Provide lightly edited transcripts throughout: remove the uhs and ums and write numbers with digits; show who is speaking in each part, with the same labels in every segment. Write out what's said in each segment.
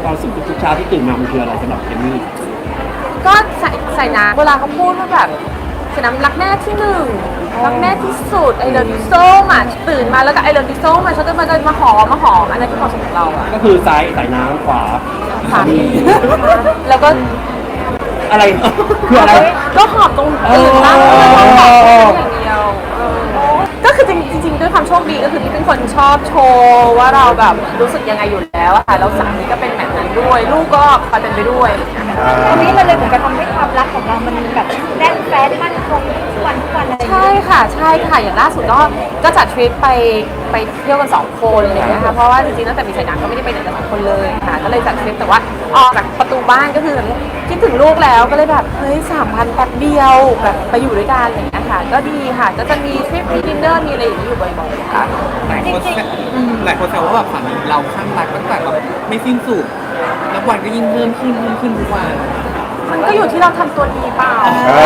Speaker 1: ความสุขทุกๆเช้าที่ตื่นมามันคืออะไรสำหรับเอมมี่
Speaker 2: ก็ใส่น้ำเวลาเขาพูดว่าแบบใส่น้ำรักแม่ที่หนึ่งรักแม่ที่สุดไอเลิฟยูโซมาตื่นมาแล้วก็ไอเลิฟยูโซมาฉันจะมาหอมอันนั้นคือความสุขของเราอะ
Speaker 1: ก็คือซ้ายใส่น้ำขวา
Speaker 2: สามีแล้วก็
Speaker 1: อะไรคืออะไร
Speaker 2: ก็หอมตรงตื่นมาแล้วก็หอมอย่างเดียวก็คือจริงๆด้วยความโชคดีก็คือที่เป็นคนชอบโชว์ว่าเราแบบรู้สึกยังไงอยู่แล้วอะค่ะแล้วสามีก็เป็นแบบนั้นด้วยลูกก็พาเป็นไปด้วย
Speaker 3: อันนี้มันเลยเหมือนกับทำให้ความรักของเรามันแบบแน่นแฟ้นมั่นคงทุกวันอะไรอย่างเงี้ย
Speaker 2: ใช่ค่ะอย่างล่าสุดก็จัดทริปไปเที่ยวกัน2 คนอะไรอย่างเงี้ยค่ะเพราะว่าจริงๆตั้งแต่มีสายหนังก็ไม่ได้ไปไหนกัน2 คนเลยค่ะก็เลยจัดทริปแต่ว่าออกจากประตูบ้านก็คือคิดถึงลูกแล้วก็เลยแบบเฮ้ย3,000แป๊บเดียวแบบไปอยู่ด้วยกันอะไรอย่างเงี้ยค่ะก็ดีค่ะก็จะมีทริปมีดินเนอร์มีอะไรอย่างนี้อยู่บ่อยๆค่ะ
Speaker 4: หลายคนแซวว่าแบบสามีเราข้างรักตั้งแต่แบบไม่สิ้นสุดนับวันก็ยิ่งเพิ่มขึ้นทุกวัน
Speaker 2: มันก็อยู่ที่เราทำตัวดีเปล่า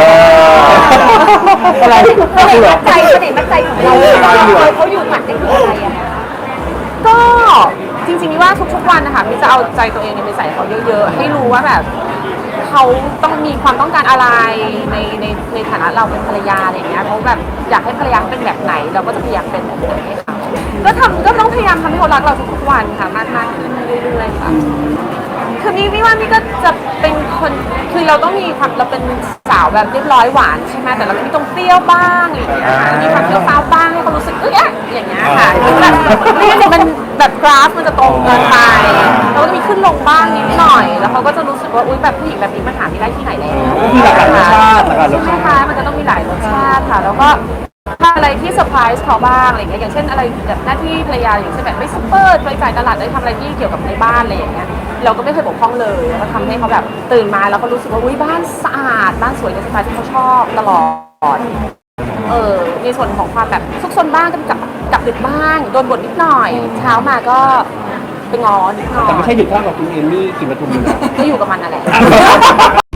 Speaker 1: อะไร
Speaker 3: มั่นใจของเราเขาอยู่หมัดได้คืออะไรอะคะ
Speaker 2: ก็จริงๆนี่ว่าทุกๆวันนะคะมิจะเอาใจตัวเองไปใส่เขาเยอะๆให้รู้ว่าแบบเขาต้องมีความต้องการอะไรในฐานะเราเป็นภรรยาอะไรอย่างเงี้ยเขาแบบอยากให้ภรรยาเป็นแบบไหนเราก็จะพยายามเป็นแบบนั้นให้เขาก็ต้องพยายามทำให้เขารักเราทุกๆวันค่ะมากขึ้นเรื่อยๆค่ะคือนี่ว่านี่ก็จะเป็นคนคือเราต้องมีความเราเป็นสาวแบบเรียบร้อยหวานใช่ไหมแต่เราก็มีตรงเปรี้ยวบ้างอะไรอย่างเงี้ยมีความเปรี้ยวฟ้าวบ้างให้เขารู้สึกอย่างเงี้ยค่ะแบบไม่งั้นเดี๋ยวมันแบบกราฟมันจะตรงเกินไปเราก็จะมีขึ้นลงบ้างนิดหน่อยแล้วเขาก็จะรู้สึกว่าอุ้ยแบบผู้หญิงแบบนี้มันหาไม่ได้ที่ไหนแล้ว
Speaker 1: ก็คือหลากหลายรสชาติ
Speaker 2: ใช่ค่ะมันก็ต้องมีหลายรสชาติค่ะแล้วก็ถ้าอะไรที่เซอร์ไพรส์เขาบ้างอะไรอย่างเงี้ยอย่างเช่นอะไรแบบหน้าที่ภรรยาอย่างเช่นแบบไปซุปเปอร์ไปจ่ายตลาดได้ทำอะไรที่เกี่ยวกับในบ้านอะไรอย่างเงี้ยเราก็ไม่เคยบกพร่องเลยแล้วก็ทำให้เขาแบบตื่นมาแล้วก็รู้สึกว่าอุ้ยบ้านสะอาดบ้านสวยในสไตล์ที่เขาชอบตลอดในส่วนของความแบบซุกซนบ้างก็กลับดึกบ้างโดนบ่นนิดหน่อยเช้ามาก็ไปงอนิดหน่อย
Speaker 1: แต่ไม่ใช่ดึกเท่ากับคุณเอมมี่กินปทุมเลยนะ
Speaker 2: ก็อยู่กับมันนั่นแหละ